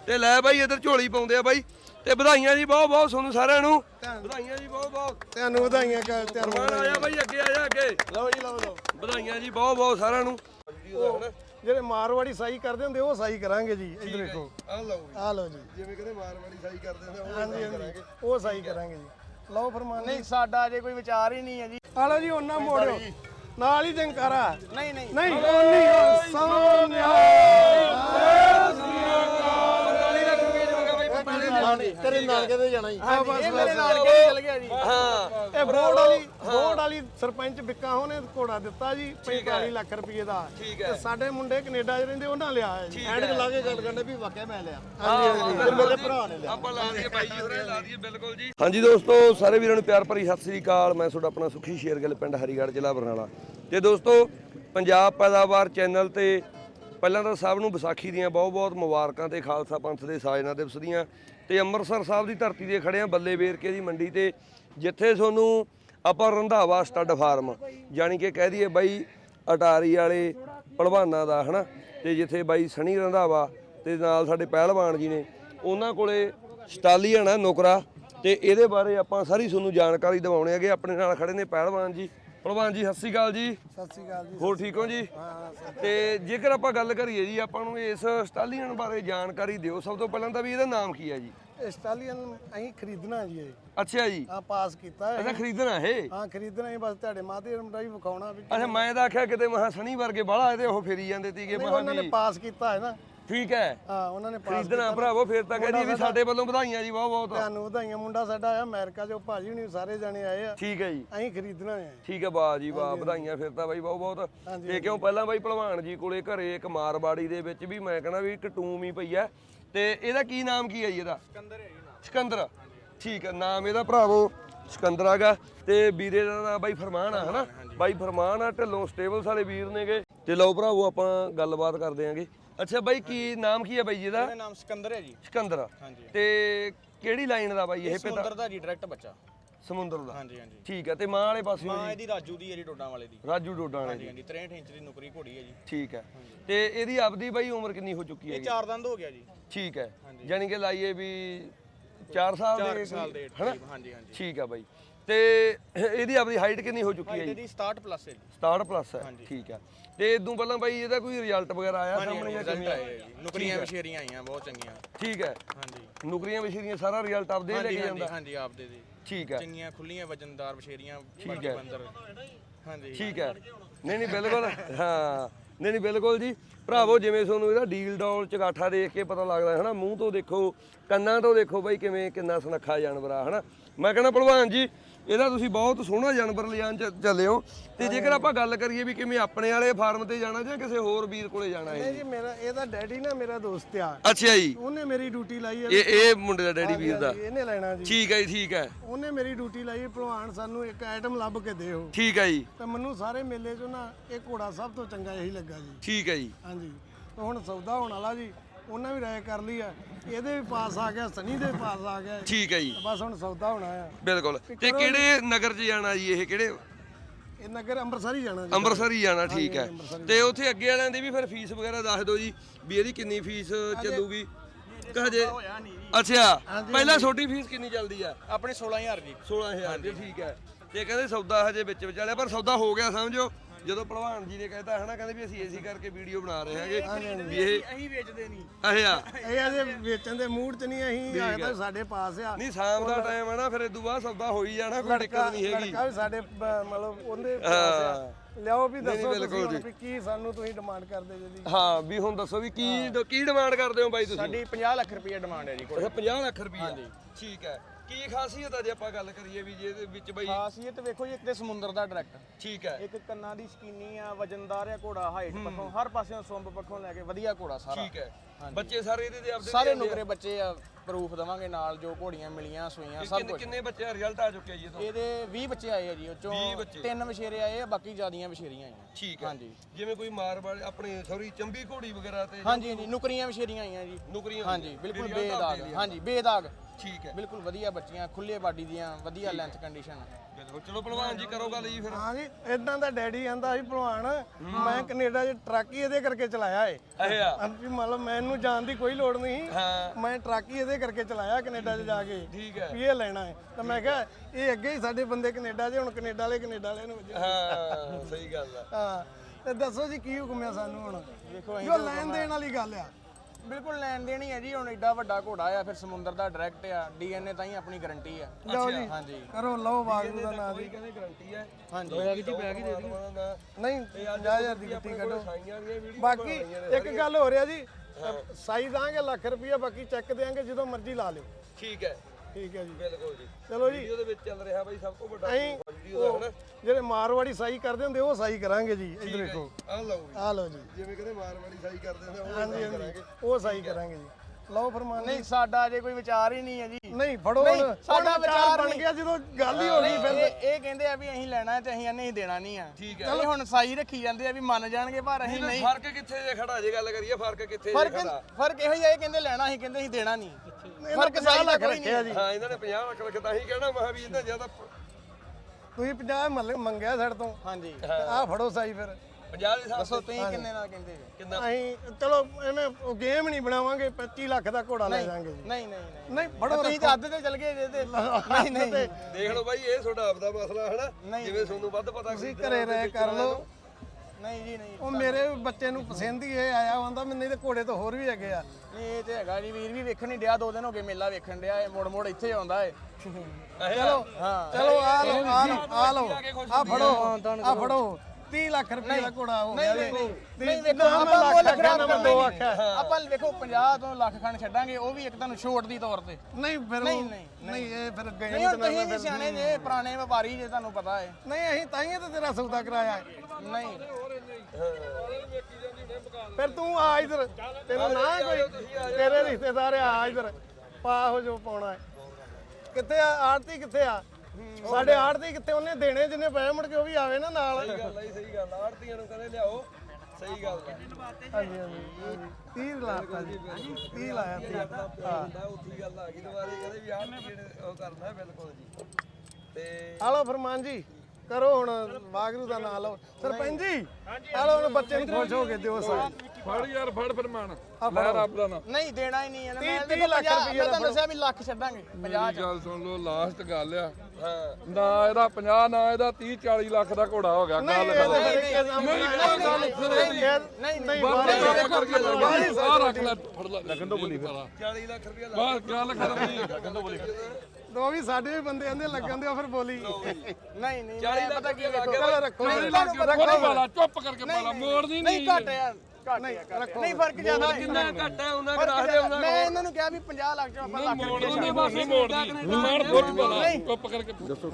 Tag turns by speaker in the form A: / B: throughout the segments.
A: ਤੇ ਲੈ ਬਾਈ ਇਧਰ ਝੋਲੀ ਪਾਉਂਦੇ ਆ ਬਾਈ ਤੇ ਵਧਾਈਆਂ ਜੀ ਬਹੁਤ ਬਹੁਤ ਤੁਹਾਨੂੰ ਸਾਰਿਆਂ ਨੂੰ ਵਧਾਈਆਂ ਜੀ ਬਹੁਤ ਬਹੁਤ
B: ਤੁਹਾਨੂੰ ਵਧਾਈਆਂ
A: ਰਮਾਨ ਆਇਆ ਬਾਈ ਅੱਗੇ ਆ ਜਾ ਅੱਗੇ
B: ਲਓ ਜੀ ਲਓ
A: ਵਧਾਈਆਂ ਜੀ ਬਹੁਤ ਬਹੁਤ ਸਾਰਿਆਂ ਨੂੰ
B: ਜਿਹੜੇ ਮਾਰਵਾੜੀ ਸਾਈ ਕਰਦੇ ਹੁੰਦੇ ਉਹ ਸਾਈ ਕਰਾਂਗੇ ਜੀ ਇਧਰ ਦੇਖੋ ਆ ਲਓ ਜੀ
A: ਜਿਵੇਂ ਕਹਿੰਦੇ ਮਾਰਵਾੜੀ ਸਾਈ ਕਰਦੇ ਹੁੰਦੇ
B: ਹਾਂਜੀ ਉਹ ਸਾਈ ਕਰਾਂਗੇ ਜੀ ਲਓ ਫਰਮਾਨ
C: ਨਹੀਂ ਸਾਡਾ ਅਜੇ ਕੋਈ ਵਿਚਾਰ ਹੀ ਨਹੀਂ ਹੈ ਜੀ
B: ਆ ਲਓ ਜੀ ਉਹਨਾਂ ਮੋੜਿਓ ਨਾਲ ਹੀ ਜੰਕਾਰਾ
C: ਨਹੀਂ ਨਹੀਂ
B: ਨਹੀਂ ਉਹ ਸੋਨਿਆ ਤੇਰੇ ਨਾਨਕੇ ਤੇ ਜਾਣਾ ਜੀ ਹਾਂ ਬਸ
C: ਮੇਰੇ ਨਾਨਕੇ ਚਲ ਗਿਆ ਜੀ
B: ਹਾਂ ਇਹ ਬੋਰਡ ਵਾਲੀ ਸਰਪੰਚ ਬਿੱਕਾ ਹੋਣੇ ਘੋੜਾ ਦਿੱਤਾ ਜੀ 45 ਲੱਖ ਰੁਪਏ ਦਾ ਤੇ ਸਾਡੇ ਮੁੰਡੇ ਕੈਨੇਡਾ 'ਚ ਰਹਿੰਦੇ ਉਹਨਾਂ ਲਿਆ ਹੈ ਜੀ
C: ਐਂਡ ਲਾ ਕੇ ਗੱਲ ਕਰਨੇ ਵੀ ਵਾਕਿਆ ਮੈਂ ਲਿਆ
B: ਹਾਂਜੀ
C: ਮੇਰੇ ਭਰਾ ਨੇ ਲਿਆ
A: ਆਪਾਂ ਲਾ ਦਈਏ ਬਾਈ ਜੀ ਹੋਰੇ ਲਾ ਦਈਏ ਬਿਲਕੁਲ ਜੀ ਹਾਂਜੀ ਦੋਸਤੋ ਸਾਰੇ ਵੀਰਾਂ ਨੂੰ ਪਿਆਰ ਭਰੀ ਸਤਿ ਸ੍ਰੀ ਅਕਾਲ ਮੈਂ ਤੁਹਾਡਾ ਆਪਣਾ ਸੁਖੀ ਸ਼ੇਰਗਿੱਲ ਪਿੰਡ ਹਰੀਗੜ੍ਹ ਜ਼ਿਲ੍ਹਾ ਬਰਨਾਲਾ ਤੇ ਦੋਸਤੋ ਪੰਜਾਬ ਪੈਦਾਵਾਰ ਚੈਨਲ ਤੇ ਪਹਿਲਾਂ ਤਾਂ ਸਭ ਨੂੰ ਵਿਸਾਖੀ ਦੀਆਂ ਬਹੁਤ ਬਹੁਤ ਮੁਬਾਰਕਾਂ ਤੇ ਖਾਲਸਾ ਪੰਥ ਦੇ ਸਾਜਨਾ ਦਿਵਸ ਦੀਆਂ ਤੇ ਅੰਮ੍ਰਿਤਸਰ ਸਾਹਿਬ ਦੀ ਧਰਤੀ ਤੇ ਖੜੇ ਆ ਬੱਲੇ ਵੇਰਕੇ ਦੀ ਮੰਡੀ ਤੇ ਜਿੱਥੇ ਤੁਹਾਨੂੰ ਆਪਾਂ ਰੰਧਾਵਾ ਸਟੱਡ ਫਾਰਮ ਜਾਨੀ ਕਿ ਕਹਿ ਦਈਏ ਬਾਈ ਅਟਾਰੀ ਵਾਲੇ ਭਲਵਾਨਾਂ ਦਾ ਹਨਾ ਤੇ ਜਿੱਥੇ ਬਾਈ ਸਣੀ ਰੰਧਾਵਾ ਤੇ ਨਾਲ ਸਾਡੇ ਪਹਿਲਵਾਨ ਜੀ ਨੇ ਉਹਨਾਂ ਕੋਲੇ ਸਟਾਲੀਅਨ ਆ ਨੁਕਰਾ ਤੇ ਇਹਦੇ ਬਾਰੇ ਆਪਾਂ ਸਾਰੀ ਤੁਹਾਨੂੰ ਜਾਣਕਾਰੀ ਦਿਵਾਉਣੇ ਹੈਗੇ ਆਪਣੇ ਨਾਲ ਖੜੇ ਨੇ ਪਹਿਲਵਾਨ ਜੀ ਸਤਿ ਸ਼੍ਰੀ ਅਕਾਲ ਜੀ
B: ਸਤਿ ਸ਼੍ਰੀ ਅਕਾਲ ਜੀ
A: ਹੋਰ ਠੀਕ ਹੋ ਜੀ ਤੇ ਜੇਕਰ ਆਪਾਂ ਗੱਲ ਕਰੀਏ ਜੀ ਆਪਾਂ ਨੂੰ ਇਸ ਸਟਾਲੀਅਨ ਬਾਰੇ ਜਾਣਕਾਰੀ ਦਿਓ ਸਭ ਤੋਂ ਪਹਿਲਾਂ ਤਾਂ ਵੀ ਇਹਦਾ ਨਾਮ ਕੀ ਹੈ ਜੀ
B: ਇਹ ਸਟਾਲੀਅਨ ਅਸੀਂ ਖਰੀਦਣਾ ਜੀ ਇਹ
A: ਅੱਛਾ ਜੀ
B: ਆ ਪਾਸ ਕੀਤਾ ਹੈ
A: ਅੱਛਾ ਖਰੀਦਣਾ ਇਹ
B: ਹਾਂ ਖਰੀਦਣਾ ਹੀ ਬਸ ਤੁਹਾਡੇ ਮਾਧਿਅਮ ਰਾਹੀਂ ਵਿਖਾਉਣਾ ਵੀ
A: ਅੱਛਾ ਮੈਂ ਤਾਂ ਆਖਿਆ ਕਿਤੇ ਮਹਾ ਸਣੀ ਵਰਗੇ ਬਾਹਲਾ ਇਹਦੇ ਉਹ ਫੇਰੀ ਜਾਂਦੇ ਤੀਗੇ ਮਹਾ
B: ਉਹਨਾਂ ਨੇ ਪਾਸ ਕੀਤਾ ਹੈ ਨਾ
A: ਠੀਕ ਹੈ
B: ਹਾਂ ਉਹਨਾਂ ਨੇ ਪਾਸ
A: ਖਰੀਦਣਾ ਭਰਾਵੋ ਫੇਰ ਤਾਂ ਕਹਿੰਦੀ ਵੀ ਸਾਡੇ ਵੱਲੋਂ ਵਧਾਈਆਂ ਜੀ ਬਹੁਤ ਬਹੁਤ
B: ਤੁਹਾਨੂੰ ਵਧਾਈਆਂ ਮੁੰਡਾ ਸਾਡਾ ਆਇਆ ਅਮਰੀਕਾ ਚੋਂ ਭਾਜੀ ਹੁਣੀ ਸਾਰੇ ਜਾਣੇ ਆਏ ਆ
A: ਠੀਕ ਹੈ ਜੀ
B: ਅਸੀਂ ਖਰੀਦਣਾ ਹੈ
A: ਠੀਕ ਹੈ ਵਾਹ ਜੀ ਵਾਹ ਵਧਾਈਆਂ ਫਿਰ ਤਾਂ ਬਾਈ ਬਹੁਤ ਬਹੁਤ ਤੇ ਕਿਉਂ ਪਹਿਲਾਂ ਬਾਈ ਭਲਵਾਨ ਜੀ ਕੋਲੇ ਘਰੇ ਇੱਕ ਮਾਰਵਾੜੀ ਦੇ ਵਿੱਚ ਵੀ ਮੈਂ ਕਹਿੰਦਾ ਵੀ ਇੱਕ ਟੂਮ ਹੀ ਪਈ ਹੈ ਤੇ ਇਹਦਾ ਕੀ ਨਾਮ ਕੀ ਹੈ ਜੀ ਇਹਦਾ
C: ਸਿਕੰਦਰ ਹੈ ਜੀ ਨਾਮ
A: ਸਿਕੰਦਰ ਠੀਕ ਹੈ ਨਾਮ ਇਹਦਾ ਭਰਾਵੋ ਸਿਕੰਦਰ ਹੈਗਾ ਤੇ ਵੀਰੇ ਦਾ ਨਾਮ ਬਾਈ ਫਰਮਾਨ ਆ ਹਨਾ ਬਾਈ ਫਰਮਾਨ ਆ ਢਿੱਲੋਂ ਸਟੇਬਲਸ ਵਾਲੇ ਵੀਰ ਨੇਗੇ ਤੇ ਲਓ ਭਰਾਵੋ ਆਪਾਂ ਗੱਲਬਾਤ ਕਰਦੇ ਆਂਗੇ ਅੱਛਾ ਬਾਈ ਕੀ ਨਾਮ ਕੀ ਹੈ ਬਾਈ ਜੀ ਦਾ
C: ਮੇਰਾ ਨਾਮ ਸਿਕੰਦਰ ਹੈ ਜੀ
A: ਸਿਕੰਦਰ ਤੇ ਕਿਹੜੀ ਲਾਈਨ ਦਾ ਬਾਈ ਇਹ
C: ਸਮੁੰਦਰ ਦਾ ਜੀ ਡਾਇਰੈਕਟ ਬੱਚਾ
A: ਸਮੁੰਦਰ ਦਾ
C: ਹਾਂਜੀ ਹਾਂਜੀ
A: ਠੀਕ ਹੈ ਤੇ ਮਾਂ ਵਾਲੇ ਪਾਸੇ
C: ਮਾਂ ਇਹਦੀ ਰਾਜੂ ਦੀ ਹੈ ਜੀ ਡੋਡਾਂ ਵਾਲੇ ਦੀ
A: ਰਾਜੂ ਡੋਡਾਂ ਵਾਲੇ
C: ਹਾਂਜੀ ਹਾਂਜੀ 63 ਇੰਚ ਦੀ ਨੁਕਰੀ ਘੋੜੀ ਹੈ ਜੀ
A: ਠੀਕ ਹੈ ਤੇ ਇਹਦੀ ਆਪਦੀ ਬਾਈ ਉਮਰ ਕਿੰਨੀ ਹੋ ਚੁੱਕੀ ਹੈ
C: ਇਹ 4 ਦੰਦ ਹੋ ਗਿਆ ਜੀ
A: ਠੀਕ ਹੈ ਯਾਨੀ ਕਿ ਲਾਈਏ ਵੀ 4 ਸਾਲ ਦੇ
C: 4 ਸਾਲ ਦੇ
A: ਹਨਾ
C: ਹਾਂਜੀ ਹਾਂਜੀ
A: ਠੀਕ ਹੈ ਬਾਈ ਤੇ ਇਹਦੀ ਆਪਦੀ ਹਾਈਟ ਕਿੰਨੀ ਹੋ ਚੁੱਕੀ ਹੈ ਜੀ
C: ਇਹਦੀ 67 ਪਲੱਸ ਹੈ ਜੀ
A: 67 ਪਲੱਸ ਹੈ ਠੀਕ ਹੈ ਤੇ ਇਦੋਂ ਪਹਿਲਾਂ ਬਾਈ ਇਹਦਾ ਕੋਈ ਰਿਜ਼ਲਟ ਵਗੈਰਾ ਆਇਆ ਸਾਹਮਣੇ ਜਾਂ
C: ਰਿਜ਼ਲਟ ਆਏ ਜੀ ਨੁਕਰੀਆਂ ਵਿਸ਼ੇਰੀਆਂ ਆਈਆਂ ਬਹੁਤ ਚੰਗੀਆਂ
A: ਠੀਕ ਹੈ
C: ਹਾਂਜੀ
A: ਨੁਕਰੀਆਂ ਵਿਸ਼ੇਰੀਆਂ ਸਾਰਾ ਰਿਜ਼ਲਟ ਆਪਦੇ ਲੈ ਕੇ ਜਾਂਦਾ
C: ਹਾਂਜੀ ਆਪਦੇ ਦੀ
A: ਠੀਕ ਹੈ
C: ਚੰਗੀਆਂ ਖੁੱਲੀਆਂ ਵਜਨਦਾਰ ਵਿਸ਼ੇਰੀਆਂ
A: ਠੀਕ ਹੈ
C: ਅੰਦਰ ਹਾਂਜੀ
A: ਠੀਕ ਹੈ ਨਹੀਂ ਬਿਲਕੁਲ ਹਾਂ ਨਹੀਂ ਬਿਲਕੁਲ ਜੀ ਭਰਾਵੋ ਜਿਵੇਂ ਤੁਹਾਨੂੰ ਇਹਦਾ ਡੀਲ ਡੌਲ ਚਗਾਠਾ ਦੇਖ ਕੇ ਪਤਾ ਲੱਗਦਾ ਹੈ ਨਾ ਮੂੰਹ ਤੋਂ ਦੇਖੋ ਕੰਨਾਂ ਤੋਂ ਦੇਖੋ ਬਾਈ ਕਿਵੇਂ ਕਿੰਨਾ ਸੁਨੱਖਾ ਜਾਨਵਰ ਆ ਹਨਾ ਮੈਂ ਕਹਿੰਦਾ ਭਲਵਾਨ ਜੀ ਇਹਦਾ ਤੁਸੀਂ ਬਹੁਤ ਸੋਹਣਾ ਜਾਨਵਰ ਲਿਆਣ ਚੱਲੇ ਹੋ ਤੇ ਜੇਕਰ ਆਪਾਂ ਗੱਲ ਕਰੀਏ ਵੀ ਕਿਵੇਂ ਆਪਣੇ ਵਾਲੇ ਫਾਰਮ ਤੇ ਜਾਣਾ ਜਾਂ ਕਿਸੇ ਹੋਰ ਵੀਰ ਕੋਲੇ ਜਾਣਾ ਹੈ
B: ਨਹੀਂ ਜੀ ਮੇਰਾ ਇਹਦਾ ਡੈਡੀ ਨਾ ਮੇਰਾ ਦੋਸਤ ਆ
A: ਅੱਛਾ ਜੀ
B: ਉਹਨੇ ਮੇਰੀ ਡਿਊਟੀ ਲਾਈ ਹੈ
A: ਇਹ ਮੁੰਡੇ ਦਾ ਡੈਡੀ ਵੀਰ ਦਾ
B: ਇਹਨੇ ਲੈਣਾ ਜੀ
A: ਠੀਕ ਹੈ ਜੀ ਠੀਕ ਹੈ
B: ਉਹਨੇ ਮੇਰੀ ਡਿਊਟੀ ਲਾਈ ਭਲਵਾਨ ਸਾਨੂੰ ਇੱਕ ਆਈਟਮ ਲੱਭ ਕੇ ਦਿਓ
A: ਠੀਕ ਹੈ ਜੀ
B: ਤੇ ਮੈਨੂੰ ਸਾਰੇ ਮੇਲੇ 'ਚੋਂ ਨਾ ਇਹ ਘੋੜਾ ਸਭ ਤੋਂ ਚੰਗਾ ਇਹੀ ਲੱਗਾ ਜੀ
A: ਠੀਕ ਹੈ ਜੀ
B: ਹਾਂਜੀ ਤੇ ਹੁਣ ਸੌਦਾ ਹੋਣ ਵਾਲਾ ਜੀ ਉਹਨਾਂ ਵੀ ਰਾਏ ਕਰ ਲਈ ਆ ਇਹਦੇ ਵੀ ਪਾਸ ਆ ਗਿਆ ਸਨੀ ਦੇ ਵੀ ਪਾਸ ਆ ਗਿਆ
A: ਠੀਕ ਹੈ ਜੀ
B: ਬਸ ਹੁਣ ਸੌਦਾ ਹੋਣਾ ਆ
A: ਬਿਲਕੁਲ ਤੇ ਕਿਹੜੇ ਨਗਰ 'ਚ ਜਾਣਾ ਜੀ ਇਹ ਕਿਹੜੇ
B: ਇਹ ਨਗਰ ਅੰਮ੍ਰਿਤਸਰ ਹੀ ਜਾਣਾ ਜੀ
A: ਅੰਮ੍ਰਿਤਸਰ ਹੀ ਜਾਣਾ ਠੀਕ ਹੈ ਤੇ ਉੱਥੇ ਅੱਗੇ ਵਾਲਿਆਂ ਦੀ ਵੀ ਫਿਰ ਫੀਸ ਵਗੈਰਾ ਦੱਸ ਦਿਓ ਜੀ ਵੀ ਇਹਦੀ ਕਿੰਨੀ ਫੀਸ ਚੱਲੂਗੀ ਕਹਜੇ ਅੱਛਾ ਪਹਿਲਾਂ ਛੋਟੀ ਫੀਸ ਕਿੰਨੀ ਚੱਲਦੀ ਆ
C: ਆਪਣੇ 16000 ਜੀ
A: 16000 ਜੀ ਠੀਕ ਹੈ ਤੇ ਕਹਿੰਦੇ ਸੌਦਾ ਹਜੇ ਵਿੱਚ ਵਿਚਾਲਿਆ ਪਰ ਸੌਦਾ ਹੋ ਗਿਆ ਸਮਝੋ ਜਦੋਂ ਭਲਵਾਨ ਜੀ ਨੇ ਕਹਿਤਾ ਹਨਾ ਕਹਿੰਦੇ ਵੀ ਅਸੀਂ ਏਸੀ ਕਰਕੇ ਵੀਡੀਓ ਬਣਾ ਰਹੇ ਹੈਗੇ ਵੀ ਇਹ
C: ਅਸੀਂ ਵੇਚਦੇ ਨਹੀਂ
A: ਅੱਛਾ
B: ਇਹ ਅਜੇ ਵੇਚਣ ਦੇ ਮੂਡ 'ਚ ਨਹੀਂ ਅਸੀਂ ਆਖਦਾ ਸਾਡੇ ਪਾਸ ਆ
A: ਨਹੀਂ ਸ਼ਾਮ ਦਾ ਟਾਈਮ ਹੈ ਨਾ ਫਿਰ ਇਦੋਂ ਬਾਅਦ ਸੌਦਾ ਹੋ ਹੀ ਜਾਣਾ ਕੋਈ ਦਿੱਕਤ ਨਹੀਂ ਹੈਗੀ
B: ਲੜਕਾ ਵੀ ਸਾਡੇ ਮਤਲਬ ਉਹਦੇ ਪਾਸ ਆ ਲਿਆਓ ਵੀ ਦੱਸੋ ਤੁਸੀਂ ਹੁਣ ਵੀ ਕੀ ਸਾਨੂੰ ਤੁਸੀਂ ਡਿਮਾਂਡ ਕਰਦੇ ਜੀ
A: ਹਾਂ ਵੀ ਹੁਣ ਦੱਸੋ ਵੀ ਕੀ ਡਿਮਾਂਡ ਕਰਦੇ ਹੋ ਬਾਈ ਤੁਸੀਂ
C: ਸਾਡੀ 50 ਲੱਖ ਰੁਪਏ ਡਿਮਾਂਡ ਹੈ ਜੀ
A: ਅੱਛਾ 50 ਲੱਖ ਰੁਪਏ ਠੀਕ ਹੈ ਕੀ ਖਾਸੀਅਤ ਆ ਜੇ ਆਪਾਂ ਗੱਲ ਕਰੀਏ ਵੀ ਜੇ ਇਹਦੇ ਵਿੱਚ ਬਾਈ
C: ਖਾਸੀਅਤ ਵੇਖੋ ਜੀ ਇੱਕ ਤੇ ਸਮੁੰਦਰ ਦਾ ਡਾਇਰੈਕਟ
A: ਠੀਕ ਹੈ
C: ਇੱਕ ਕੰਨਾਂ ਦੀ ਸਕੀਨੀ ਆ ਵਜਨਦਾਰ ਆ ਘੋੜਾ ਹਾਈਟ ਪੱਖੋਂ ਹਰ ਪਾਸਿਓਂ ਸੁੰਬ ਪੱਖੋਂ ਲੈ ਕੇ ਵਧੀਆ ਘੋੜਾ ਸਾਰਾ
A: ਠੀਕ ਹੈ ਬੱਚੇ ਸਾਰੇ ਇਹਦੇ ਦੇ ਆਪਦੇ
C: ਸਾਰੇ ਨੁਕਰੇ ਬੱਚੇ ਆ ਪ੍ਰੂਫ ਦਵਾਂਗੇ ਨਾਲ ਜੋ ਘੋੜੀਆਂ ਮਿਲੀਆਂ ਸੂਈਆਂ ਸਭ ਕੁਝ
A: ਕਿੰਨੇ ਬੱਚੇ ਦਾ ਰਿਜ਼ਲਟ ਆ ਚੁੱਕਿਆ ਜੀ ਇਹਦਾ
C: ਇਹਦੇ 20 ਬੱਚੇ ਆਏ ਆ ਜੀ ਉਹ ਚੋਂ 3 ਵਿਸ਼ੇਰੇ ਆਏ ਆ ਬਾਕੀ ਜਿਆਦੀਆਂ ਵਿਸ਼ੇਰੀਆਂ ਆਈਆਂ
A: ਠੀਕ ਹੈ ਹਾਂਜੀ ਜਿਵੇਂ ਕੋਈ ਮਾਰਵਾੜ ਆਪਣੇ ਸੌਰੀ ਚੰਬੀ ਘੋੜੀ ਵਗੈਰਾ ਤੇ
C: ਹਾਂਜੀ ਹਾਂਜੀ ਨੁਕਰੀਆਂ ਵਿਸ਼ੇਰੀਆਂ ਆਈਆਂ ਜੀ
A: ਨੁਕਰੀਆਂ
C: ਹਾਂਜੀ ਬਿਲਕੁਲ ਬੇਦਾਗ ਹਾਂਜੀ ਬੇਦਾਗ
A: ਠੀਕ ਹੈ
C: ਬਿਲਕੁਲ ਵਧੀਆ ਬੱਚੀਆਂ ਖੁੱਲੇ ਬਾਡੀ ਦੀਆਂ ਵਧੀਆ ਲੈਂਥ ਕੰਡੀਸ਼ਨ
A: ਚਲੋ ਭਲਵਾਨ ਜੀ ਕਰੋ ਗੱਲ ਜੀ ਫਿਰ।
B: ਹਾਂ ਜੀ ਇਦਾਂ ਦਾ ਡੈਡੀ ਆਂਦਾ ਸੀ ਭਲਵਾਨ ਮੈਂ ਕੈਨੇਡਾ 'ਚ ਟਰੱਕ ਹੀ ਇਹਦੇ ਕਰਕੇ ਚਲਾਇਆ ਏ
A: ਅੱਛਾ
B: ਹਾਂਜੀ ਮਤਲਬ ਮੈਨੂੰ ਜਾਣ ਦੀ ਕੋਈ ਲੋੜ ਨਹੀਂ ਸੀ।
A: ਹਾਂ
B: ਮੈਂ ਟਰੱਕ ਹੀ ਇਹਦੇ ਕਰਕੇ ਚਲਾਇਆ ਕੈਨੇਡਾ 'ਚ ਜਾ ਕੇ
A: ਠੀਕ ਹੈ
B: ਵੀ ਇਹ ਲੈਣਾ ਹੈ ਤਾਂ ਮੈਂ ਕਿਹਾ ਇਹ ਅੱਗੇ ਹੀ ਸਾਡੇ ਬੰਦੇ ਕੈਨੇਡਾ 'ਚ ਹੁਣ ਕੈਨੇਡਾ ਵਾਲਿਆਂ ਨੂੰ ਵਜੇ
A: ਹਾਂ ਸਹੀ ਗੱਲ ਆ
B: ਹਾਂ ਤੇ ਦੱਸੋ ਜੀ ਕੀ ਹੁਕਮ ਆ ਸਾਨੂੰ ਹੁਣ
C: ਵੇਖੋ
B: ਜੋ ਲੈਣ ਦੇਣ ਵਾਲੀ ਗੱਲ ਆ
C: ਬਿਲਕੁਲ ਲੈਣ ਦੇਣੀ ਹੈ ਜੀ। ਹੁਣ ਏਡਾ ਵੱਡਾ ਘੋੜਾ ਆ ਫਿਰ ਸਮੁੰਦਰ ਦਾ ਡਾਇਰੈਕਟ ਆ ਡੀਐਨਏ ਤਾਂ ਹੀ ਆਪਣੀ ਗਾਰੰਟੀ ਆ।
B: ਲਓ ਜੀ
C: ਹਾਂਜੀ
B: ਕਰੋ ਲਓ ਬਾਗਰੂ ਦਾ ਨਾਂ ਜੀ
A: ਕਹਿੰਦੇ ਗਾਰੰਟੀ ਹੈ
C: ਹਾਂਜੀ
B: ਨਹੀਂ 50000 ਦੀ ਗੱਟੀ ਕੱਢੋ
A: ਸਾਈਆਂ ਦੀਆਂ ਵੀਡੀਓ
B: ਬਾਕੀ ਇੱਕ ਗੱਲ ਹੋ ਰਿਹਾ ਜੀ ਸਾਈ ਦਾਂਗੇ ਲੱਖ ਰੁਪਈਆ ਬਾਕੀ ਚੈੱਕ ਦੇਾਂਗੇ ਜਦੋਂ ਮਰਜ਼ੀ ਲਾ ਲਿਓ
A: ਠੀਕ ਹੈ
B: ਠੀਕ ਹੈ ਜੀ
A: ਬਿਲਕੁਲ ਜੀ
B: ਚਲੋ ਜੀ
A: ਵੀਡੀਓ ਦੇ ਵਿੱਚ ਚੱਲ ਰਿਹਾ ਬਾਈ ਸਭ ਤੋਂ ਵੱਡਾ
B: ਅਸੀਂ
A: ਵੀਡੀਓ ਦਾ ਹਨਾ
B: ਜਿਹੜੇ ਮਾਰਵਾੜੀ ਸਾਈ ਕਰਦੇ ਹੁੰਦੇ ਉਹ ਸਾਈ ਕਰਾਂਗੇ ਜੀ ਇਧਰ ਦੇਖੋ
A: ਆ ਲਓ ਜੀ
B: ਆ ਲਓ ਜੀ
A: ਜਿਵੇਂ ਕਹਿੰਦੇ ਮਾਰਵਾੜੀ ਸਾਈ ਕਰਦੇ ਹੁੰਦੇ ਉਹ
B: ਹਾਂਜੀ ਹਾਂਜੀ ਉਹ ਸਾਈ ਕਰਾਂਗੇ ਜੀ ਲਓ ਫਰਮਾਨ
C: ਨਹੀਂ ਸਾਡਾ ਅਜੇ ਕੋਈ ਵਿਚਾਰ ਹੀ ਨਹੀਂ ਹੈ ਜੀ।
B: ਨਹੀਂ ਫੜੋ
C: ਨਹੀਂ,
B: ਹੁਣ
C: ਸਾਡਾ ਵਿਚਾਰ
B: ਬਣ ਗਿਆ ਜਦੋਂ ਗੱਲ ਹੀ ਹੋ ਗਈ ਫਿਰ
C: ਇਹ ਕਹਿੰਦੇ ਆ ਵੀ ਅਸੀਂ ਲੈਣਾ ਹੈ ਤੇ ਅਸੀਂ ਨਹੀਂ ਦੇਣਾ ਨਹੀਂ ਆ।
A: ਠੀਕ
C: ਚਲੋ ਹੁਣ ਸਾਈ ਰੱਖੀ ਜਾਂਦੇ ਆ ਵੀ ਮੰਨ ਜਾਣਗੇ ਪਰ ਅਸੀਂ ਨਹੀਂ।
A: ਫਰਕ ਕਿੱਥੇ ਜੇ ਖੜਾ ਜੇ ਗੱਲ ਕਰੀਏ ਫਰਕ ਕਿੱਥੇ ਜੇ
C: ਫਰਕ
A: ਖੜਾ
C: ਫਰਕ ਇਹੋ ਹੀ ਆ ਇਹ ਕਹਿੰਦੇ ਲੈਣਾ ਅਸੀਂ ਕਹਿੰਦੇ ਅਸੀਂ ਦੇਣਾ ਨਹੀਂ।
B: ਫਰਕ ਸਾਈ ਲੱਖ ਰੱਖਿਆ ਜੀ
A: ਹਾਂ ਇਹਨਾਂ ਨੇ 50 ਲੱਖ ਰੱਖਤਾ ਹੀ ਕਹਿਣਾ ਮਹਾ ਵੀ ਇਹਦਾ ਜ਼ਿਆਦਾ
B: ਤੁਸੀਂ 50 ਮੰਗਿਆ ਸਾਡੇ ਤੋਂ
C: ਹਾਂਜੀ
B: ਆ ਫੜੋ ਸਾਈ ਫਿਰ
A: 50 ਦੇ ਹਿਸਾਬ
C: ਦੱਸੋ ਤੁਸੀਂ ਕਿੰਨੇ ਨਾਲ ਕਹਿੰਦੇ ਜੀ?
A: ਕਿੰਨਾ
B: ਅਸੀਂ ਚਲੋ ਐਵੇਂ ਗੇਮ ਨਹੀਂ ਬਣਾਵਾਂਗੇ 25 ਲੱਖ ਦਾ ਘੋੜਾ ਲੈ ਜਾਾਂਗੇ ਜੀ
C: ਨਹੀਂ ਨਹੀਂ ਨਹੀਂ
B: ਨਹੀਂ ਫੜੋ
C: ਤੁਸੀਂ ਤਾਂ ਅੱਧ ਤੇ ਚਲ ਗਏ ਜੇ ਤੇ ਨਹੀਂ ਨਹੀਂ
A: ਦੇਖ ਲਓ ਬਾਈ ਇਹ ਤੁਹਾਡਾ ਆਪਦਾ ਮਸਲਾ ਹਨਾ
C: ਨਹੀਂ।
A: ਜਿਵੇਂ ਤੁਹਾਨੂੰ ਵੱਧ ਪਤਾ
B: ਤੁਸੀਂ ਘਰੇ ਰਹਿ ਕਰ ਲਓ
C: ਨਹੀਂ ਜੀ ਨਹੀਂ
B: ਉਹ ਮੇਰੇ ਬੱਚੇ ਨੂੰ ਪਸੰਦ ਹੀ ਇਹ ਆਇਆ ਹੁੰਦਾ ਮੈਨੂੰ ਨਹੀਂ ਤੇ ਘੋੜੇ ਤੋਂ ਹੋਰ ਵੀ ਹੈਗੇ ਆ
C: ਨਹੀਂ ਇਹ ਤੇ ਹੈਗਾ ਜੀ ਵੀਰ ਵੀ ਵੇਖਣ ਨਹੀਂ ਡਿਆ 2 ਦਿਨ ਹੋ ਗਏ ਮੇਲਾ ਵੇਖਣ ਡਿਆ ਇਹ ਮੋੜ ਇੱਥੇ ਆਉਂਦਾ ਏ
B: ਚਲੋ
C: ਹਾਂ
B: ਚਲੋ ਆ ਲਓ ਆ ਲਓ ਆ ਫੜੋ ਆ ਫੜੋ 30 ਲੱਖ ਰੁਪਏ ਦਾ ਘੋੜਾ ਹੋ ਗਿਆ ਜੀ
C: ਨਹੀਂ ਵੇਖੋ
B: ਨਾ ਮੈਂ
C: ਆਪਾਂ
B: ਲੱਖ ਆਖਿਆ, ਨਾ ਮੈਂ 2 ਆਖਿਆ
C: ਆਪਾਂ ਵੇਖੋ 50 ਤੋਂ ਲੱਖ ਖਣ ਛੱਡਾਂਗੇ ਉਹ ਵੀ ਇੱਕ ਤੁਹਾਨੂੰ ਛੋਟ ਦੀ ਤੌਰ ਤੇ
B: ਨਹੀਂ ਫਿਰ
C: ਨਹੀਂ,
B: ਉਹ-
C: ਨਹੀਂ,
B: ਨਹੀਂ ਇਹ ਫਿਰ ਗਏ
C: ਨਹੀਂ ਹੁਣ ਤੁਸੀਂ ਵੀ ਸਿਆਣੇ ਜੇ ਪੁਰਾਣੇ ਵਪਾਰੀ ਜੇ ਤੁਹਾਨੂੰ ਪਤਾ ਹੈ
B: ਨਹੀਂ ਅਸੀਂ ਤਾਈਏ ਤਾਂ ਤੇਰਾ ਸੌਦਾ ਕਰਾਇਆ
C: ਨਹੀਂ
B: ਫਿਰ ਤੂੰ ਆ ਇਧਰ ਤੈਨੂੰ ਨਾ ਕੋਈ ਤੇਰੇ ਰਿਸ਼ਤੇਦਾਰ ਆ ਇਧਰ ਪਾ ਹੋ ਜੋ ਪਾਉਣਾ ਹੈ ਕਿੱਥੇ ਆ ਆੜਤੀ ਕਿੱਥੇ ਆ ਸਾਡੇ ਆੜਤੀ ਕਿੱਥੇ ਉਹਨੇ ਦੇਣੇ ਜਿੰਨੇ ਪੈਸੇ ਮੁੜ ਕੇ ਉਹ ਵੀ ਆਵੇ ਨਾ ਨਾਲ
A: ਸਹੀ ਗੱਲ ਆ ਜੀ, ਸਹੀ ਗੱਲ ਆ ਆੜਤੀਆਂ ਨੂੰ ਕਹਿੰਦੇ ਲਿਆਓ ਸਹੀ ਗੱਲ ਆ
B: ਹਾਂਜੀ ਹਾਂਜੀ 30 ਲਾਤਾ ਜੀ 30 ਲਾਇਆ 30 ਹਾਂ
A: ਹੁੰਦਾ ਉੱਥੀ ਗੱਲ ਆ ਗਈ ਦੁਬਾਰੇ ਕਹਿੰਦੇ ਵੀ ਆੜਤੀ ਉਹ ਕਰਨਾ ਬਿਲਕੁਲ ਜੀ ਤੇ
B: ਆ ਲਓ ਫਰਮਾਨ ਜੀ ਕਰੋ ਹੁਣ ਬਾਗਰੂ ਦਾ ਨਾਂ ਲਓ ਸਰਪੰਚ ਜੀ ਆ ਲਓ ਹੁਣ ਬੱਚੇ ਨੂੰ ਖੁਸ਼ ਹੋ ਕੇ ਦਿਓ ਸਾਂ
D: ਫੜ ਯਾਰ ਫੜ ਫਰਮਾਨ
B: ਆ
D: ਲੈ
B: ਫੜੋ
D: ਰੱਬ ਦਾ ਨਾਮ
C: ਨਹੀਂ ਦੇਣਾ ਹੀ ਨਹੀਂ ਹੈ ਮੈਂ
B: 30 ਲੱਖ ਰੁਪਏ
C: ਮੈਂ ਤੁਹਾਨੂੰ ਦੱਸਿਆ ਵੀ ਲੱਖ ਛੱਡਾਂਗੇ 50
D: ਮੇਰੀ ਗੱਲ ਸੁਣ ਲਓ ਲਾਸਟ ਗੱਲ ਆ
A: ਹਾਂ
D: ਨਾ ਇਹਦਾ 50 ਨਾ ਇਹਦਾ 30 40 ਲੱਖ ਦਾ ਘੋੜਾ ਹੋ ਗਿਆ ਗੱਲ
B: ਨਹੀਂ
D: ਆ ਰੱਖ ਲੈ ਫੜ ਲੈ ਲੱਗਣ ਤੋਂ ਬੋਲੀ
A: 40 ਲੱਖ ਰੁਪਏ
D: ਬਾਹਰ ਗੱਲ ਖਤਮ ਨਹੀਂ ਲੱਗਣ ਤੋਂ ਬੋਲੀ
B: ਦੋ ਵੀ ਸਾਡੇ ਵੀ ਬੰਦੇ ਆਂਦੇ ਲੱਗਣ ਦਿਓ ਫਿਰ ਬੋਲੀ
C: ਨਹੀਂ ਨਹੀਂ
A: 40 ਲੱਖ ਰੁਪਏ ਲੱਗ
B: ਚਲੋ ਰੱਖੋ
D: ਰੱਖੋ ਵਾਲਾ ਚੁੱਪ ਕਰਕੇ ਪਾਲਾ ਮੋੜਨੀ
C: ਨਹੀਂ
D: ਨਹੀਂ
C: ਘੱਟ ਯਾਰ ਘੱਟ ਨਹੀਂ ਫਰਕ ਜ਼ਿਆਦਾ ਹੈ
A: ਜਿੰਨਾ ਘੱਟ ਹੈ ਉਹਨਾਂ ਕਰਾ ਦੇ ਉਹਨਾਂ
C: ਮੈਂ ਇਹਨਾਂ ਨੂੰ ਕਿਹਾ ਵੀ 50 ਲੱਖ ਚੋਂ ਆਪਾਂ ਲੱਖ ਰੁਪਏ
D: ਉਹਨੇ ਪਾਸੇ ਮੋੜਨੀ ਮਾਰ ਫੁੱਟ ਪਾਲਾ ਚੁੱਪ ਕਰਕੇ ਦੱਸੋ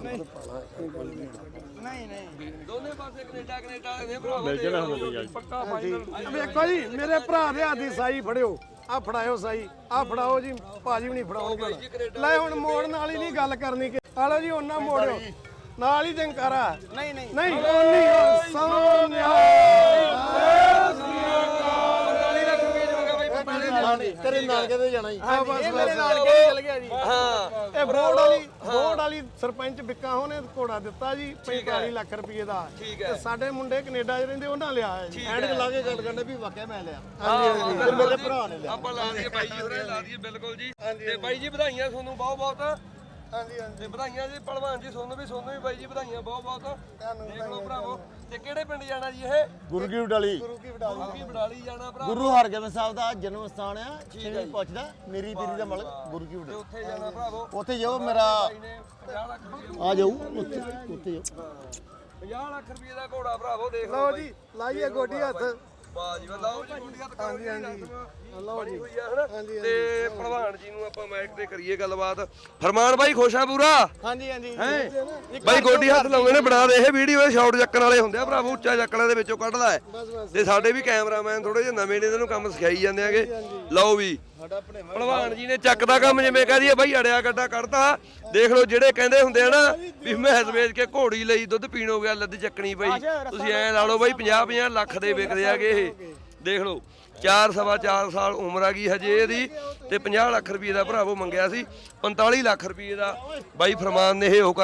C: ਨਹੀਂ ਨਹੀਂ
A: ਦੋਨੇ ਪਾਸੇ ਕੈਨੇਡਾ ਦੇ ਭਰਾਵਾ
D: ਪੱਕਾ ਫਾਈਨਲ
B: ਵੇਖੋ ਜੀ ਮੇਰੇ ਭਰਾ ਦੇ ਹੱਥ ਦੀ ਸਾਈ ਫੜਿਓ ਆ ਫੜਾਇਓ ਸਾਈ ਆ ਫੜਾਓ ਜੀ ਭਾਜੀ ਵੀ ਨਹੀਂ ਫੜਾਉਣਗੇ ਲੈ ਹੁਣ ਮੋੜ ਨਾਲ ਹੀ ਨਹੀਂ ਗੱਲ ਕਰਨੀ ਕਿ ਆਲੋ ਜੀ ਉਹਨਾਂ ਮੋੜਿਓ ਨਾਲ ਹੀ ਜੰਕਾਰਾ
C: ਨਹੀਂ ਨਹੀਂ
B: ਨਹੀਂ ਉਹ ਨਹੀਂ ਸੋਨਿਆ
E: ਤੇਰੇ ਨਾਨਕੇ ਤੇ ਜਾਣਾ ਹੀ
C: ਇਹ ਮੇਰੇ ਨਾਲ ਕੇ ਚਲ ਗਿਆ ਜੀ
A: ਹਾਂ
B: ਇਹ ਬੋਰਡ ਵਾਲੀ ਸਰਪੰਚ ਬਿੱਕਾ ਉਹਨੇ ਘੋੜਾ ਦਿੱਤਾ ਜੀ 45 ਲੱਖ ਰੁਪਏ ਦਾ
A: ਠੀਕ ਹੈ।
B: ਤੇ ਸਾਡੇ ਮੁੰਡੇ ਕੈਨੇਡਾ 'ਚ ਰਹਿੰਦੇ ਉਹਨਾਂ ਲਿਆ ਹੈ ਜੀ
E: ਐਂਡ ਲਾ ਕੇ ਗੱਲ ਕਰਨੇ ਵੀ ਵਾਕਿਆ ਮੈਂ ਲਿਆ
B: ਹਾਂਜੀ ਹਾਂਜੀ
E: ਮੇਰੇ ਭਰਾ ਨੇ ਲਿਆ
A: ਆਪਾਂ ਲਾ ਦਈਏ ਬਾਈ ਜੀ ਹੋਰੇ ਲਾ ਦਈਏ ਬਿਲਕੁਲ ਜੀ ਤੇ ਬਾਈ ਜੀ ਵਧਾਈਆਂ ਤੁਹਾਨੂੰ ਬਹੁਤ ਬਹੁਤ
B: ਹਾਂਜੀ ਹਾਂਜੀ
A: ਤੇ ਵਧਾਈਆਂ ਜੀ ਪਹਿਲਵਾਨ ਜੀ ਤੁਹਾਨੂੰ ਵੀ ਬਾਈ ਜੀ ਵਧਾਈਆਂ ਬਹੁਤ ਬਹੁਤ ਦੇਖ ਲਓ ਭਰਾਵੋ ਤੇ ਕਿਹੜੇ ਪਿੰਡ ਜਾਣਾ ਜੀ ਇਹ
E: ਗੁਰੂ ਕੀ ਉਡਾਲੀ
A: ਕੀ ਬਡਾਲੀ ਜਾਣਾ ਭਰਾ
E: ਗੁਰੂ ਹਰਗੋਬਿੰਦ ਸਾਹਿਬ ਦਾ ਜਨਮ ਸਥਾਨ ਆ ਛੇਵੀਂ ਪੁੱਛਦਾ ਮੇਰੀ ਪੀਰੀ ਦਾ ਮਲਕ ਗੁਰੂ ਕੀ
A: ਤੇ
E: ਉਡਾਲੀ
A: ਉੱਥੇ ਜਾਣਾ ਭਰਾਵੋ
E: ਉੱਥੇ ਜਾਓ ਮੇਰਾ
A: ਬਾਈ ਨੇ 50 ਲੱਖ ਰੁਪਏ
E: ਆ ਜਾਓ ਉੱਥੇ ਜਾਓ
A: 50 ਲੱਖ ਰੁਪਏ ਦਾ ਘੋੜਾ ਭਰਾਵੋ ਦੇਖ ਲਓ
B: ਲਓ
A: ਬਾਈ।
B: ਜੀ ਲਾਈਏ ਗੋਡੀ ਹੱਥ
A: ਵਾਹ ਜੀ ਵਾਹ, ਲਓ ਜੀ ਗੁੱਡੀਆਂ ਤਾਂ
B: ਹਾਂਜੀ ਹਾਂਜੀ ਲਓ ਜੀ
A: ਹੋਈ ਆ ਹਨਾ
B: ਹਾਂਜੀ,
A: ਤੇ ਭਲਵਾਨ ਜੀ ਨੂੰ ਆਪਾਂ ਮਾਈਕ ਤੇ ਕਰੀਏ ਗੱਲਬਾਤ ਫਰਮਾਨ ਬਾਈ ਖੁਸ਼ ਆ ਪੂਰਾ
C: ਹਾਂਜੀ ਹਾਂਜੀ
A: ਬਾਈ ਗੋਡੀ ਹੱਥ ਲਾਉਂਦੇ ਨੇ ਬਣਾ ਦੇ ਇਹ ਵੀਡੀਓ ਸ਼ਾਟ ਚੱਕਣ ਵਾਲੇ ਹੁੰਦੇ ਆ ਭਰਾਵੋ ਉੱਚਾ ਚੱਕਣਾ ਦੇ ਵਿੱਚੋਂ ਕੱਢਦਾ ਹੈ ਤੇ ਸਾਡੇ ਵੀ ਕੈਮਰਾਮੈਨ ਥੋੜੇ ਜਿਹੇ ਨਵੇਂ ਨੇ ਇਹਨਾਂ ਨੂੰ ਕੰਮ ਸਿਖਾਈ ਜਾਂਦੇ ਆਗੇ ਲਓ ਵੀ ਭਲਵਾਨ ਜੀ ਨੇ ਚੱਕ ਦਾ ਕੰਮ ਜਿਵੇਂ ਕਹਿ ਦਈਏ ਬਾਈ ਅੜਿਆ ਗੱਡਾ ਕੱਢਤਾ ਦੇਖ ਲਓ ਜਿਹੜੇ ਕਹਿੰਦੇ ਹੁੰਦੇ ਆ ਨਾ ਵੀ ਮਹਿਸ ਵੇਚ ਕੇ ਘੋੜੀ ਲਈ ਦੁੱਧ ਪੀਣੋ ਗਿਆ ਲੱਦ ਚੱਕਣੀ ਪਈ ਤੁਸੀਂ ਐਂ ਲਾ ਲਓ ਬਾਈ 50-50 ਲੱਖ ਦੇ ਵਿਕਦੇ ਆਗੇ ਇਹ ਦੇਖ ਲਓ 4 ਸਾਲ ਉਮਰ ਆ ਗਈ ਹਜੇ ਇਹਦੀ ਤੇ 50 ਲੱਖ ਰੁਪਏ ਦਾ ਭਰਾਵੋ ਮੰਗਿਆ ਸੀ 45 ਲੱਖ ਰੁਪਏ ਦਾ ਬਾਈ ਫਰਮਾਨ ਨੇ ਇਹ ਉਹ ਕਰਤਾ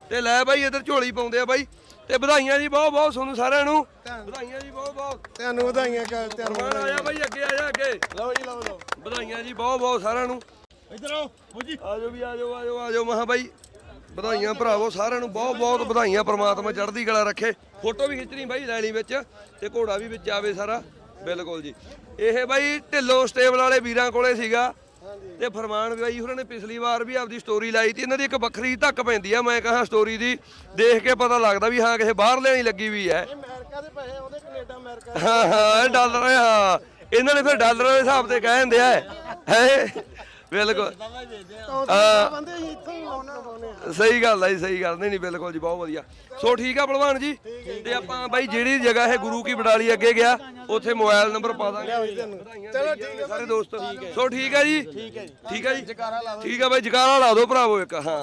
A: ਤੇ ਲੈ ਬਾਈ ਇੱਧਰ ਝੋਲੀ ਪਾਉਂਦੇ ਆ ਬਾਈ ਤੇ ਵਧਾਈਆਂ ਜੀ ਬਹੁਤ ਬਹੁਤ ਤੁਹਾਨੂੰ ਸਾਰਿਆਂ ਨੂੰ ਵਧਾਈਆਂ ਜੀ ਬਹੁਤ ਬਹੁਤ
B: ਤੁਹਾਨੂੰ ਵਧਾਈਆਂ ਤੁਹਾਨੂੰ
A: ਫਰਮਾਨ ਆਇਆ ਬਾਈ ਅੱਗੇ ਆਇਆ ਅੱਗੇ
B: ਲਓ ਜੀ ਲਓ
A: ਵਧਾਈਆਂ ਜੀ ਬਹੁਤ ਬਹੁਤ ਸਾਰਿਆਂ ਨੂੰ
E: ਇੱਧਰ ਆਓ ਫੌਜੀ
A: ਆਜੋ ਵੀ ਆਜੋ ਮਹਾ ਬਾਈ ਵਧਾਈਆਂ ਭਰਾਵੋ ਸਾਰਿਆਂ ਨੂੰ ਬਹੁਤ ਬਹੁਤ ਵਧਾਈਆਂ ਪ੍ਰਮਾਤਮਾ ਚੜ੍ਹਦੀ ਕਲਾ ਰੱਖੇ ਫੋਟੋ ਵੀ ਖਿੱਚਣੀ ਬਾਈ ਰੈਲੀ ਵਿੱਚ ਤੇ ਘੋੜਾ ਵੀ ਵਿੱਚ ਆਵੇ ਸਾਰਾ ਬਿਲਕੁਲ ਜੀ ਇਹ ਬਾਈ ਢਿੱਲੋਂ ਸਟੇਬਲ ਵਾਲੇ ਵੀਰਾਂ ਕੋਲੇ ਸੀਗਾ ਤੇ ਫਰਮਾਨ ਬਾਈ ਉਹਨਾਂ ਨੇ ਪਿਛਲੀ ਵਾਰ ਵੀ ਆਪਦੀ ਸਟੋਰੀ ਲਾਈ ਤੀ ਇਹਨਾਂ ਦੀ ਇੱਕ ਵੱਖਰੀ ਧੱਕ ਪੈਂਦੀ ਆ ਮੈਂ ਕਹਾਂ ਸਟੋਰੀ ਦੀ ਦੇਖ ਕੇ ਪਤਾ ਲੱਗਦਾ ਵੀ ਹਾਂ ਕਿਸੇ ਬਾਹਰ ਲੈਣੀ ਲੱਗੀ ਵੀ ਹੈ
B: ਇਹ ਅਮਰੀਕਾ ਦੇ ਪੈਸੇ ਉਹਦੇ ਕੈਨੇਡਾ ਅਮਰੀਕਾ
A: ਹਾਂ ਇਹ ਡਾਲਰ ਹਾਂ ਇਹਨਾਂ ਨੇ ਫਿਰ ਡਾਲਰਾਂ ਦੇ ਹਿਸਾਬ ਤੇ ਕਹਿ ਦਿੰਦੇ ਆ ਹੈ ਬਿਲਕੁਲ
B: ਬੰਦੇ ਅਸੀਂ ਇੱਥੇ ਹੀ ਲਾਉਣੇ ਆ
A: ਸਹੀ ਗੱਲ ਆ ਜੀ ਸਹੀ ਗੱਲ ਨਹੀਂ ਬਿਲਕੁਲ ਜੀ ਬਹੁਤ ਵਧੀਆ ਸੋ ਠੀਕ ਆ ਭਲਵਾਨ ਜੀ ਤੇ ਆਪਾਂ ਬਾਈ ਜਿਹੜੀ ਜਗ੍ਹਾ ਇਹ ਗੁਰੂ ਕੀ ਬਡਾਲੀ ਅੱਗੇ ਗਿਆ ਉੱਥੇ ਮੋਬਾਈਲ ਨੰਬਰ ਪਾ ਦਾਂਗੇ
B: ਚਲੋ ਠੀਕ ਹੈ
A: ਸਾਰੇ ਦੋਸਤ ਸੋ ਠੀਕ ਆ ਜੀ ਠੀਕ ਆ ਜੀ ਠੀਕ ਆ ਬਾਈ ਜਕਾਰਾ ਲਾ ਦਿਓ ਭਰਾਵੋ ਇੱਕ ਹਾਂ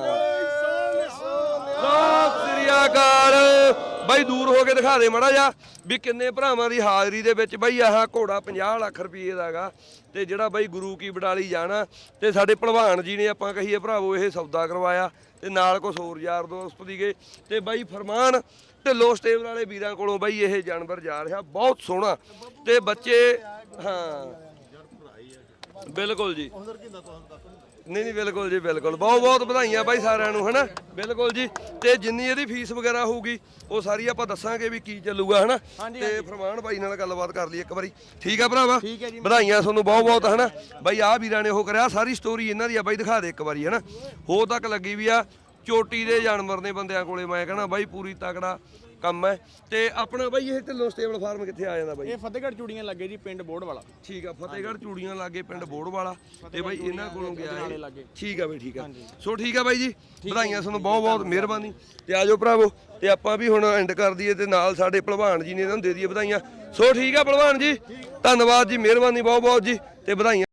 A: ਸਤਿ ਸ੍ਰੀ ਅਕਾਲ ਬਾਈ ਦੂਰ ਹੋ ਕੇ ਦਿਖਾ ਦੇ ਮੜਾ ਜਾ ਵੀ ਕਿੰਨੇ ਭਰਾਵਾਂ ਦੀ ਹਾਜ਼ਰੀ ਦੇ ਵਿੱਚ ਬਾਈ ਆਹ ਘੋੜਾ 50 ਲੱਖ ਰੁਪਏ ਦਾਗਾ ਤੇ ਜਿਹੜਾ ਬਾਈ ਗੁਰੂ ਕੀ ਬਡਾਲੀ ਜਾਣਾ ਤੇ ਸਾਡੇ ਭਲਵਾਨ ਜੀ ਨੇ ਆਪਾਂ ਕਹੀਏ ਭਰਾਵੋ ਇਹ ਸੌਦਾ ਕਰਵਾਇਆ ਤੇ ਨਾਲ ਕੁਛ ਹੋਰ ਯਾਰ ਦੋਸਤ ਦੀਗੇ ਤੇ ਬਾਈ ਫਰਮਾਨ ਢਿੱਲੋਂ ਸਟੇਬਲ ਵਾਲੇ ਵੀਰਾਂ ਕੋਲੋਂ ਬਾਈ ਇਹ ਜਾਨਵਰ ਜਾ ਰਿਹਾ ਬਹੁਤ ਸੋਹਣਾ ਤੇ ਬੱਚੇ ਹਾਂ ਬਿਲਕੁਲ ਜੀ ਨਹੀਂ ਬਿਲਕੁਲ ਜੀ ਬਿਲਕੁਲ ਬਹੁਤ ਬਹੁਤ ਵਧਾਈਆਂ ਬਾਈ ਸਾਰਿਆਂ ਨੂੰ ਹਨਾ ਬਿਲਕੁਲ ਜੀ ਤੇ ਜਿੰਨੀ ਇਹਦੀ ਫੀਸ ਵਗੈਰਾ ਹੋਊਗੀ ਉਹ ਸਾਰੀ ਆਪਾਂ ਦੱਸਾਂਗੇ ਵੀ ਕੀ ਚੱਲੂਗਾ ਹਨਾ ਤੇ ਫਰਮਾਨ ਬਾਈ ਨਾਲ ਗੱਲਬਾਤ ਕਰ ਲਈ ਇੱਕ ਵਾਰੀ ਠੀਕ ਆ ਭਰਾਵਾ ਵਧਾਈਆਂ ਤੁਹਾਨੂੰ ਬਹੁਤ ਬਹੁਤ ਹਨਾ ਬਾਈ ਆਹ ਵੀਰਾਂ ਨੇ ਉਹ ਕਰਿਆ ਸਾਰੀ ਸਟੋਰੀ ਇਹਨਾਂ ਦੀ ਆ ਬਾਈ ਦਿਖਾ ਦੇ ਇੱਕ ਵਾਰੀ ਹਨਾ ਹੋ ਤੱਕ ਲੱਗੀ ਵੀ ਆ ਚੋਟੀ ਦੇ ਜਾਨਵਰ ਨੇ ਬੰਦਿਆਂ ਕੋਲੇ ਮੈਂ ਕਹਣਾ ਬਾਈ ਪੂਰੀ ਤਕੜਾ ਕੰਮ ਹੈ ਤੇ ਆਪਣਾ ਬਾਈ ਇਹ ਢਿੱਲੋਂ ਸਟੇਬਲ ਫਾਰਮ ਕਿੱਥੇ ਆ ਜਾਂਦਾ ਬਾਈ
C: ਇਹ ਫਤਿਹਗੜ੍ਹ ਚੂੜੀਆਂ ਲੱਗੇ ਜੀ ਪਿੰਡ ਬੋੜ ਵਾਲਾ
A: ਠੀਕ ਆ ਫਤਿਹਗੜ੍ਹ ਚੂੜੀਆਂ ਲਾਗੇ ਪਿੰਡ ਬੋੜ ਵਾਲਾ ਤੇ ਬਾਈ ਇਹਨਾਂ ਕੋਲੋਂ ਗਿਆ ਇਹ ਠੀਕ ਆ ਬਾਈ ਠੀਕ ਆ ਸੋ ਠੀਕ ਆ ਬਾਈ ਜੀ ਵਧਾਈਆਂ ਤੁਹਾਨੂੰ ਬਹੁਤ ਬਹੁਤ ਮਿਹਰਬਾਨੀ ਤੇ ਆਜੋ ਭਰਾਵੋ ਤੇ ਆਪਾਂ ਵੀ ਹੁਣ ਐਂਡ ਕਰ ਦਈਏ ਤੇ ਨਾਲ ਸਾਡੇ ਭਲਵਾਨ ਜੀ ਨੇ ਇਹਨਾਂ ਨੂੰ ਦੇ ਦਈਏ ਵਧਾਈਆਂ ਸੋ ਠੀਕ ਆ ਭਲਵਾਨ ਜੀ ਧੰਨਵਾਦ ਜੀ ਮਿਹਰਬਾਨੀ ਬਹੁਤ ਬਹੁਤ ਜੀ ਤੇ ਵਧਾਈਆਂ